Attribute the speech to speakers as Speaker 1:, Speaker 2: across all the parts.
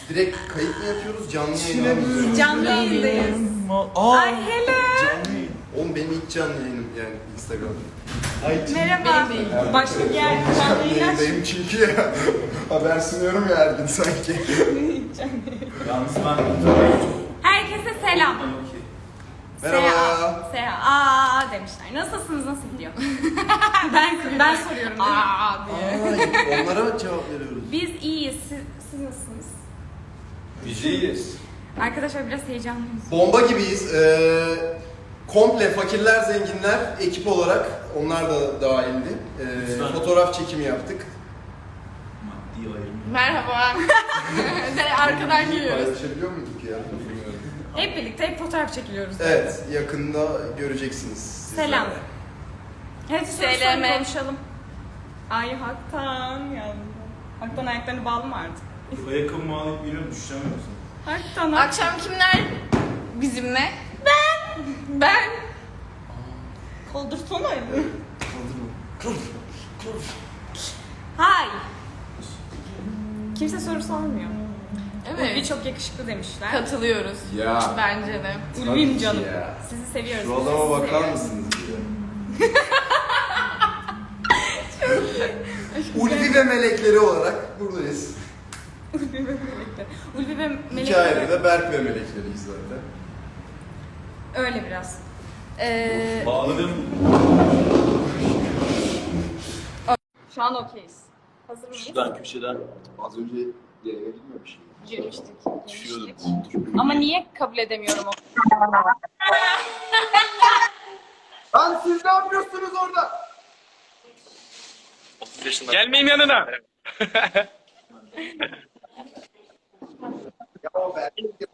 Speaker 1: Direkt kayıt mı yapıyoruz, canlı yayın mı?
Speaker 2: Canlı yayındayız. Ay hele.
Speaker 1: Canlı yayın. Oğlum benim ilk canlı yayınım yani Instagram'da.
Speaker 2: Merhaba. Başka bir yer canlı
Speaker 1: Canlı
Speaker 2: yayın aç.
Speaker 1: yayındayım çünkü ya. Haber sunuyorum ya her gün sanki.
Speaker 3: Yalnız ben
Speaker 2: Herkese selam.
Speaker 1: Merhaba.
Speaker 2: Seha. Aa demişler. Nasılsınız? Nasıl gidiyor? ben soruyorum değil mi? Aa diye.
Speaker 1: Ay, onlara cevap veriyoruz.
Speaker 2: Biz iyiyiz. Siz nasılsınız?
Speaker 3: biz iyiyiz.
Speaker 2: Arkadaşlar biraz heyecanlıyız.
Speaker 1: Bomba gibiyiz. Komple fakirler, zenginler ekip olarak onlar da dahildi. Fotoğraf çekimi yaptık.
Speaker 3: Maddi ayrım.
Speaker 4: Merhaba. Arkadan geliyoruz.
Speaker 1: Paylaşabiliyor muyduk ya? Bilmiyorum.
Speaker 2: Hep birlikte hep fotoğraf çekiliyoruz.
Speaker 1: Evet, yakında göreceksiniz. sizler
Speaker 2: Selam.
Speaker 1: de.
Speaker 2: Hadi soru
Speaker 4: Söyleme.
Speaker 2: konuşalım. Ay Haktan yandı. Haktan ayaklarını bağlı mı artık?
Speaker 3: Bu ayakkabımı alıp biliyorum düşeceğim yoksa.
Speaker 2: Haktan.
Speaker 4: Akşam kimler bizimle? Ben.
Speaker 2: Koldursana elini.
Speaker 1: Kaldırma.
Speaker 2: Hay. Kimse soru sormuyor.
Speaker 4: Evet.
Speaker 2: Ulvi çok yakışıklı demişler.
Speaker 4: Katılıyoruz.
Speaker 1: Ya.
Speaker 4: Bence de.
Speaker 2: Ulvim
Speaker 1: Tabii
Speaker 2: canım.
Speaker 1: ki ya.
Speaker 2: Sizi seviyoruz.
Speaker 1: Şu
Speaker 2: biz de
Speaker 1: adama
Speaker 2: sizi
Speaker 1: bakar
Speaker 2: seviyoruz.
Speaker 1: mısınız diye. Ulvi ve melekleri olarak buradayız.
Speaker 2: Ulvi ve melekler. Ulvi ve
Speaker 1: İki
Speaker 2: melekler.
Speaker 1: ayrı da Berk ve melekleriyiz zaten.
Speaker 2: Öyle biraz.
Speaker 3: Bağladım.
Speaker 2: Şu an okeyiz. Hazır mıyız?
Speaker 3: Şuradan köşeden
Speaker 1: Az önce yayına girmemiş.
Speaker 2: Girmiştik.
Speaker 3: düşüyordum.
Speaker 2: Ama niye kabul edemiyorum o?
Speaker 1: Lan siz ne yapıyorsunuz orada?
Speaker 5: Gelmeyeyim yanına.
Speaker 1: Ya o Berk.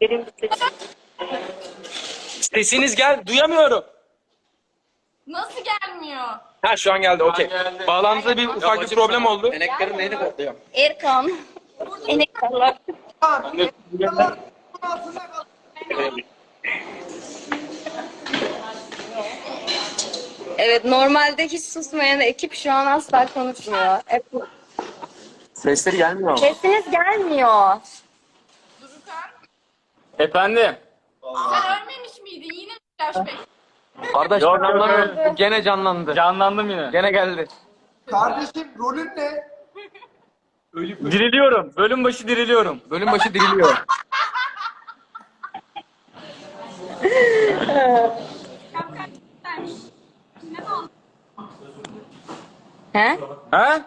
Speaker 5: Sesiniz duyamıyorum.
Speaker 4: Nasıl gelmiyor?
Speaker 5: Ha şu an geldi, okey. Bağlantıda bir ufak bir problem oldu.
Speaker 4: Erkan. Enektarlar. Evet, normalde hiç susmayan ekip şu an asla konuşmuyor.
Speaker 5: Sesleri gelmiyor.
Speaker 4: Sesiniz gelmiyor. Durukan,
Speaker 5: Efendim.
Speaker 4: sen ölmemiş miydin? Yine mi flashback?
Speaker 5: Kardeş canlandı. Gene canlandı. Canlandım yine. Gene geldi.
Speaker 1: Kardeşim rolün ne?
Speaker 5: Diriliyorum. Bölüm başı diriliyorum. Bölüm başı diriliyor.
Speaker 4: He?
Speaker 5: Ha?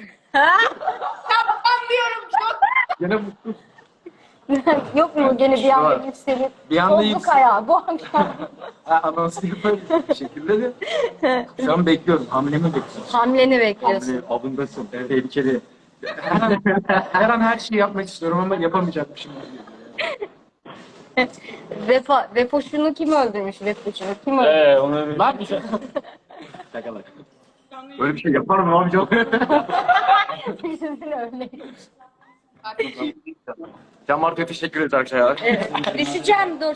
Speaker 4: Ben diyorum çok.
Speaker 5: Gene mutlu.
Speaker 4: Yok mu gene bir anda yükselip?
Speaker 5: Bir anda
Speaker 4: Bozduk
Speaker 5: yüksel-
Speaker 4: ayağı bu akşam.
Speaker 5: Anonsu yaparım bir şekilde de. Şu an bekliyorum. Hamlemi bekliyorum.
Speaker 4: Hamleni bekliyorsun.
Speaker 5: Hamle avındasın. Tehlikeli. Her an her şeyi yapmak istiyorum ama yapamayacakmışım.
Speaker 4: Vefoşunu kim öldürmüş? Vefoşunu kim öldürmüş?
Speaker 5: Onu ne yapacağım? Şakalar. Böyle bir şey yapar mı abi canım?
Speaker 4: Düşünsene öyle.
Speaker 5: Can Marco'ya teşekkür ederiz arkadaşlar.
Speaker 4: Düşeceğim dur.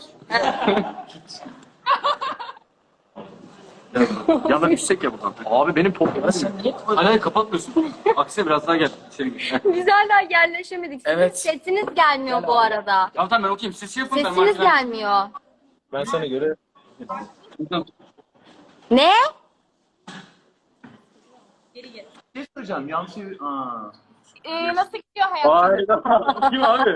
Speaker 5: Yana düşsek ya buradan. Abi benim toplum. Sen niye hala kapatmıyorsun? Aksine biraz daha gel. İçeri gir.
Speaker 4: Biz hala yerleşemedik. Sizin
Speaker 5: Evet.
Speaker 4: sesiniz gelmiyor bu arada.
Speaker 5: Ya tamam ben okuyayım. Siz şey yapın.
Speaker 4: Sesiniz gelmiyor.
Speaker 5: Ben sana göre.
Speaker 4: Ne?
Speaker 5: Şey soracağım. Yanlış şey... Aa.
Speaker 4: Nasıl gidiyor hayat?
Speaker 5: Hayda. Kim abi?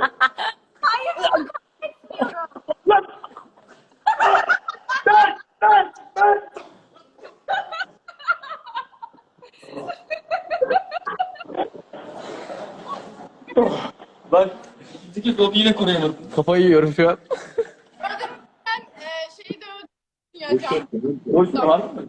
Speaker 5: Bak. İki kolu yine koruyamadım. Kafayı yiyorum şu an.
Speaker 4: Ben şeyi de öldüreceğim.
Speaker 5: Boş var mı?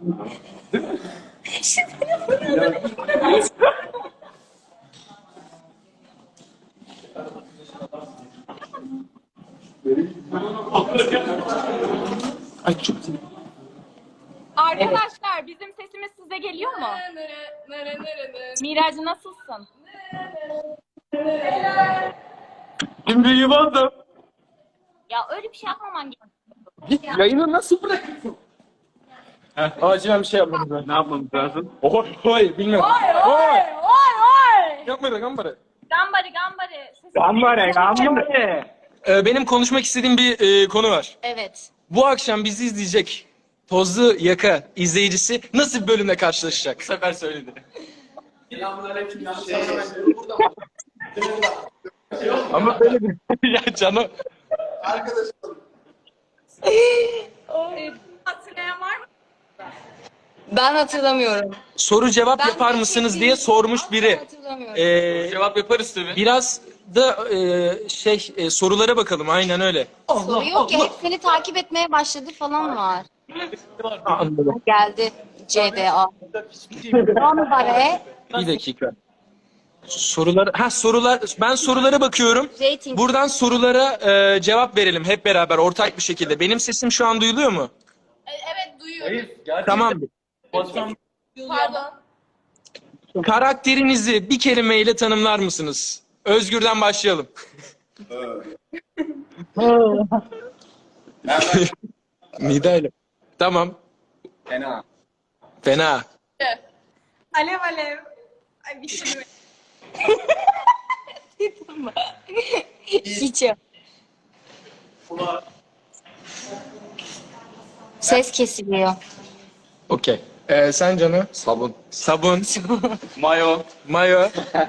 Speaker 5: Ay çok
Speaker 2: Arkadaşlar bizim sesimiz size geliyor mu? Miracı nasılsın?
Speaker 5: Şimdi yuvardım.
Speaker 2: Ya öyle bir şey yapmaman gerekiyor.
Speaker 5: Git yayını nasıl bırakıyorsun? Acilen bir şey yapmamız lazım. Ne yapmamız lazım? Oy bilmiyorum. Oy. Yapma da kamera.
Speaker 2: Gambari.
Speaker 6: Benim konuşmak istediğim bir konu var.
Speaker 4: Evet.
Speaker 6: Bu akşam bizi izleyecek Tozlu Yaka izleyicisi nasıl bir bölümle karşılaşacak? Bu sefer söyledi. Ama böyle bir... ya canım.
Speaker 1: Arkadaşlar.
Speaker 2: Hatırlayan var mı?
Speaker 4: Ben hatırlamıyorum.
Speaker 6: Soru cevap
Speaker 4: Ben
Speaker 6: yapar
Speaker 4: de
Speaker 6: mısınız
Speaker 4: şey
Speaker 6: diye
Speaker 4: değilim.
Speaker 6: sormuş
Speaker 4: Asla
Speaker 6: biri.
Speaker 4: hatırlamıyorum.
Speaker 6: Cevap yaparız tabii. Biraz da sorulara bakalım aynen öyle.
Speaker 4: Soru yok ya. Hep seni takip etmeye başladı falan var.
Speaker 6: Anladım.
Speaker 4: Geldi. CBA. Gambare.
Speaker 6: Bir dakika. Sorular. Ben sorulara bakıyorum.
Speaker 4: Rating.
Speaker 6: Buradan sorulara cevap verelim hep beraber ortak bir şekilde. Benim sesim şu an duyuluyor mu?
Speaker 2: Evet duyuyoruz.
Speaker 6: Tamam.
Speaker 2: Pardon.
Speaker 6: Karakterinizi bir kelimeyle tanımlar mısınız? Özgür'den başlayalım. Midayla. Tamam.
Speaker 1: Fena.
Speaker 6: Fena.
Speaker 2: Alev alev. Ay bir şey mi?
Speaker 4: Hiç yok. Ses kesiliyor.
Speaker 6: Okey. Sen Canı? Sabun. Sabun.
Speaker 5: Mayo.
Speaker 6: Mayo.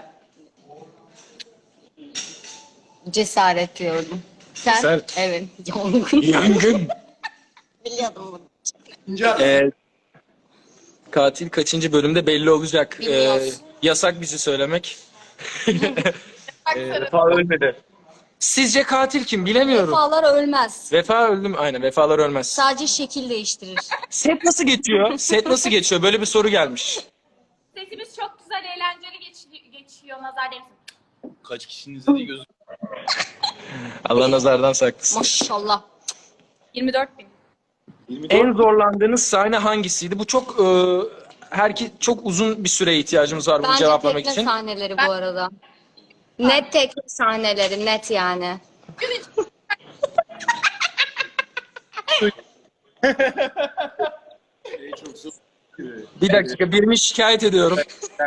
Speaker 4: Cesaret diyordum. Sen?
Speaker 6: Cesaret.
Speaker 4: Evet. Yangın.
Speaker 6: Yangın.
Speaker 4: Biliyordum bunu.
Speaker 1: İnce
Speaker 6: Katil kaçıncı bölümde belli olacak.
Speaker 4: Bilmiyoruz.
Speaker 6: Yasak bizi söylemek.
Speaker 5: Vefa ölmedi.
Speaker 6: Sizce katil kim? Bilemiyorum.
Speaker 4: Vefalar ölmez.
Speaker 6: Vefa öldü mü? Aynen vefalar ölmez.
Speaker 4: Sadece şekil değiştirir.
Speaker 6: Set nasıl geçiyor? Set nasıl geçiyor? Böyle bir soru gelmiş.
Speaker 2: Sesimiz çok güzel, eğlenceli geçiyor. Nazar değmesin.
Speaker 3: Kaç kişinin izlediği gözüküyor.
Speaker 6: Allah nazardan saklasın.
Speaker 4: Maşallah.
Speaker 2: 24.000.
Speaker 6: En zorlandığınız sahne hangisiydi? Bu çok çok uzun bir süreye ihtiyacımız var bunu
Speaker 4: Bence
Speaker 6: cevaplamak
Speaker 4: tekne
Speaker 6: için.
Speaker 4: sahneleri bu arada. Net tekne sahneleri, net yani.
Speaker 6: Bir dakika, birini şikayet ediyorum.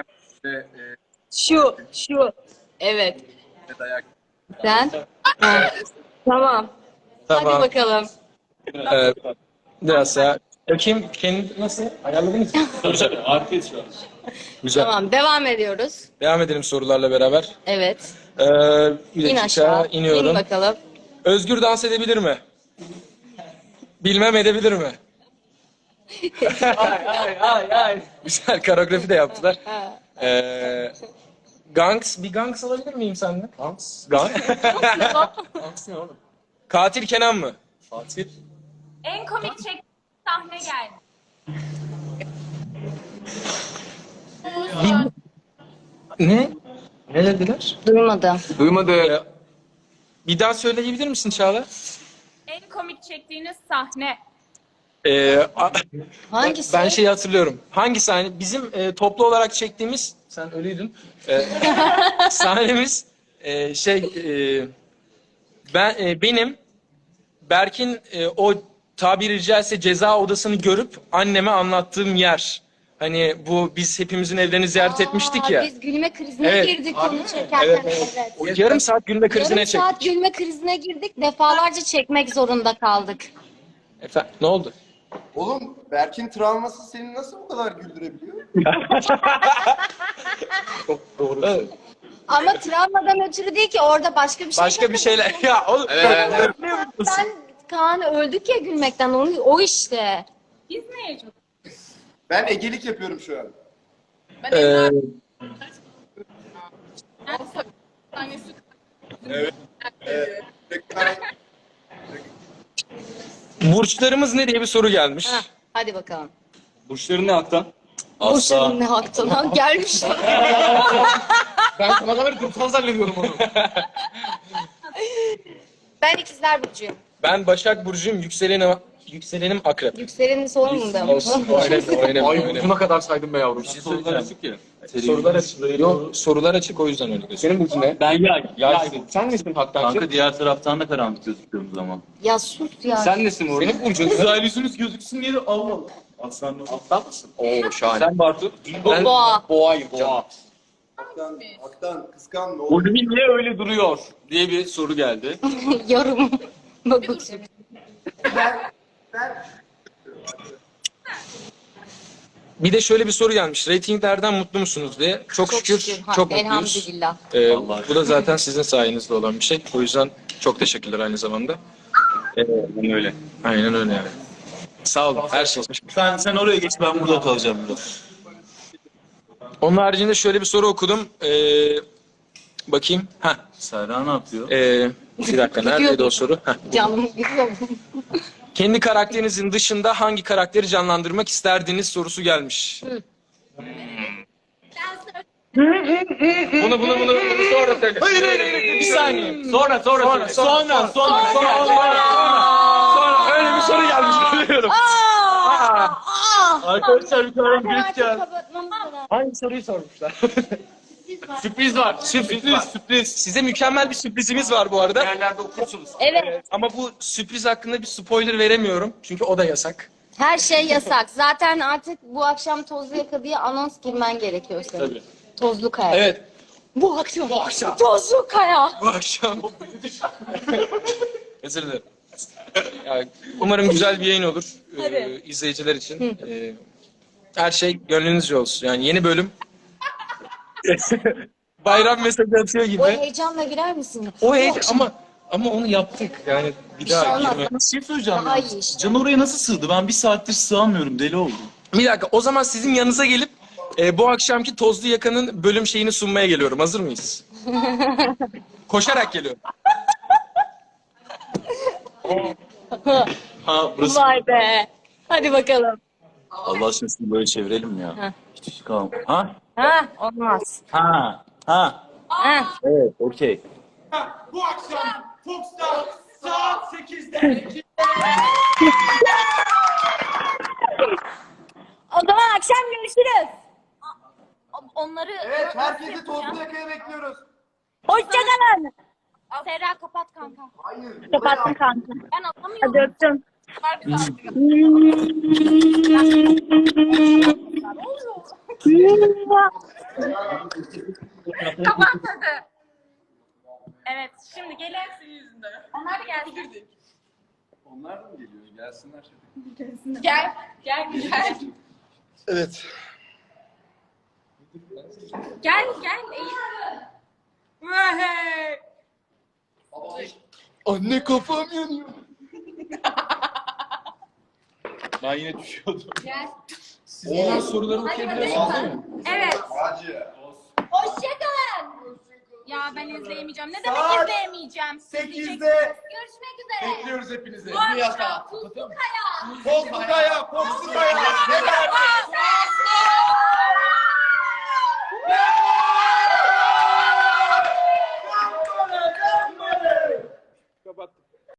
Speaker 4: Şu. Evet. Sen? Ha. Tamam. Hadi
Speaker 6: Tamam.
Speaker 4: bakalım.
Speaker 6: Biraz daha. Bakayım kendi nasıl? Ayarladınız mı?
Speaker 5: Güzel. Harikayız şu an.
Speaker 6: Güzel.
Speaker 4: Tamam, devam ediyoruz.
Speaker 6: Devam edelim sorularla beraber.
Speaker 4: Evet.
Speaker 6: Bir
Speaker 4: İn
Speaker 6: dakika,
Speaker 4: aşağı.
Speaker 6: iniyorum.
Speaker 4: İn bakalım.
Speaker 6: Özgür dans edebilir mi? Bilmem edebilir mi? ay. Güzel koreografi de yaptılar. Bir gangs alabilir miyim senden? Gangs? Gangs ne oğlum? Katil Kenan mı? Katil.
Speaker 2: En komik çektiğim sahne geldi.
Speaker 6: Ne? Ne dediler?
Speaker 4: Duymadım.
Speaker 6: Duymadı. Bir daha söyleyebilir misin Çağla?
Speaker 2: En komik çektiğiniz sahne.
Speaker 4: Hangisi?
Speaker 6: Ben şeyi hatırlıyorum. Hangi sahne? Bizim toplu olarak çektiğimiz, sen ölüydün. Sahnemiz benim Berk'in o tabiri caizse ceza odasını görüp anneme anlattığım yer. Hani bu biz hepimizin evlerini ziyaret etmiştik ya.
Speaker 4: Biz gülme krizine
Speaker 6: Evet.
Speaker 4: girdik onu çekerken.
Speaker 6: Evet. O yarım saat gülme krizine
Speaker 4: Yarım saat
Speaker 6: çektik.
Speaker 4: gülme krizine girdik. Defalarca çekmek zorunda kaldık.
Speaker 6: Efendim, ne oldu?
Speaker 1: Oğlum Berk'in travması seni nasıl bu kadar güldürebiliyor?
Speaker 6: Evet.
Speaker 4: Ama travmadan ötürü değil ki, orada başka bir şey.
Speaker 6: Başka bir şeyler. Ya oğlum.
Speaker 4: Ben Kaan öldük ya gülmekten, o işte.
Speaker 2: Biz neye çok?
Speaker 1: Ben egelik yapıyorum şu an.
Speaker 6: Ee, burçlarımız ne diye bir soru gelmiş.
Speaker 4: Heh, hadi bakalım.
Speaker 5: Burçların ne Aktan?
Speaker 4: Boşların ne haktan ha gelmiş.
Speaker 6: Ben sana kadar kurtan zannediyorum onu.
Speaker 4: Ben ikizler burcuyum.
Speaker 6: Ben Başak Burcu'yum, yükselenim Akrep.
Speaker 4: Yükselenini sormadım.
Speaker 6: Olsun, oynayalım.
Speaker 5: Burcuna kadar saydım be yavrum. Sorular açık ya.
Speaker 6: Sorular açık. Yok, sorular açık o yüzden öyle gözüküyor.
Speaker 5: Senin burcun ne? Ben yay.
Speaker 6: Yay. Sen nesin Haktancığım?
Speaker 3: Kanka diğer taraftan da karanlık gözüküyoruz zaman.
Speaker 4: Ya sus ya.
Speaker 5: Sen nesin Uğur?
Speaker 6: Senin burcun.
Speaker 3: Uzaylısınız gözüksün diye de Allah Allah. Aslan
Speaker 5: Aslan mısın? Oo şahane.
Speaker 6: Sen Bartu.
Speaker 5: Ben
Speaker 4: Boğa.
Speaker 5: boğayım canım.
Speaker 1: Aktan kıskanma.
Speaker 3: Ulvi niye öyle duruyor diye bir soru geldi.
Speaker 4: Yorum. Bakın.
Speaker 6: Bir de şöyle bir soru gelmiş. Reytinglerden mutlu musunuz diye. Çok şükür
Speaker 4: Ha,
Speaker 6: çok mutluyuz.
Speaker 4: elhamdülillah.
Speaker 6: Bu da zaten sizin sayenizde olan bir şey. O yüzden çok teşekkürler aynı zamanda.
Speaker 3: Öyle.
Speaker 6: Aynen öyle yani. Sağ olun her şey için.
Speaker 3: Sen oraya geç, ben burada kalacağım biraz.
Speaker 6: Onun haricinde şöyle bir soru okudum. Bakayım.
Speaker 3: Serra ne yapıyor?
Speaker 6: Bir dakika neredeydi o soru?
Speaker 4: Canım gidiyor.
Speaker 6: Kendi karakterinizin dışında hangi karakteri canlandırmak isterdiniz sorusu gelmiş. Bunu sonra söyle. Hayır. Bir saniye.
Speaker 3: Sonra.
Speaker 6: Sonra öyle bir soru gelmiş biliyorum.
Speaker 3: Arkadaşlar bir tane geç geldi.
Speaker 6: Hangi soruyu sormuşlar?
Speaker 3: Sürpriz var. Sürpriz.
Speaker 6: Size mükemmel bir sürprizimiz var bu arada.
Speaker 3: Yerlerde okursunuz.
Speaker 4: Evet.
Speaker 6: Ama bu sürpriz hakkında bir spoiler veremiyorum. Çünkü o da yasak.
Speaker 4: Her şey yasak. Zaten artık bu akşam Tozlu Yaka diye anons girmen gerekiyor senin.
Speaker 3: Tabii.
Speaker 4: Tozlu Kaya.
Speaker 6: Evet.
Speaker 4: Bu akşam. Tozlu Kaya.
Speaker 6: Bu akşam. Özür dilerim. Ya, umarım güzel bir yayın olur izleyiciler için. Her şey gönlünüzce olsun. Yani yeni bölüm. Bayram mesajı atıyor gibi.
Speaker 4: O heyecanla girer misin?
Speaker 6: O heyecan ama onu yaptık. Yani bir
Speaker 4: Bir şey
Speaker 6: daha
Speaker 4: olmaz.
Speaker 6: girme.
Speaker 3: Bir şey söyleyeceğim.
Speaker 4: Daha iyi işte.
Speaker 3: Can oraya nasıl sığdı? Ben bir saattir sığamıyorum. Deli oldum.
Speaker 6: Bir dakika o zaman sizin yanınıza gelip bu akşamki Tozlu Yaka'nın bölüm şeyini sunmaya geliyorum. Hazır mıyız? Koşarak geliyorum.
Speaker 3: Ha burası.
Speaker 4: Vay be. Hadi bakalım.
Speaker 3: Allah aşkına şunu böyle çevirelim ya. Hiç kalm. Ha?
Speaker 4: Ha, olmaz.
Speaker 3: Ha.
Speaker 4: Ha.
Speaker 3: Evet, okey.
Speaker 7: Bu akşam Fox'ta saat 8'de
Speaker 4: O zaman akşam görüşürüz.
Speaker 2: Onları
Speaker 1: Evet, herkesi Tozlu Yaka'ya bekliyoruz.
Speaker 4: Hoşçakalın.
Speaker 2: Serra kapat kanka.
Speaker 1: Hayır.
Speaker 4: Kapattım kanka.
Speaker 2: Ben anlamıyorum.
Speaker 4: Hadi öptüm.
Speaker 2: Kapat hadi. Evet şimdi gelin. Onlar da gelsin.
Speaker 1: Onlar da mı geliyor? Gelsinler.
Speaker 2: Gel. Gel.
Speaker 1: Evet.
Speaker 2: Gel. Eğil. Vahey.
Speaker 1: Anne kafam yanıyor.
Speaker 3: Ben yine düşüyordum.
Speaker 2: Gel.
Speaker 6: Olan soruları okuyabiliyorsunuz değil mi?
Speaker 2: Evet.
Speaker 1: Hacı.
Speaker 2: Hoşçakalın. Ya ben izleyemeyeceğim. Ne demek
Speaker 1: Saat
Speaker 2: izleyemeyeceğim?
Speaker 1: 8'de
Speaker 2: Görüşmek üzere.
Speaker 1: bekliyoruz hepinizi.
Speaker 2: Bu akşam Tuzlu Kaya.
Speaker 1: Tozlu Kaya, Tozlu Kaya. Ne derdi?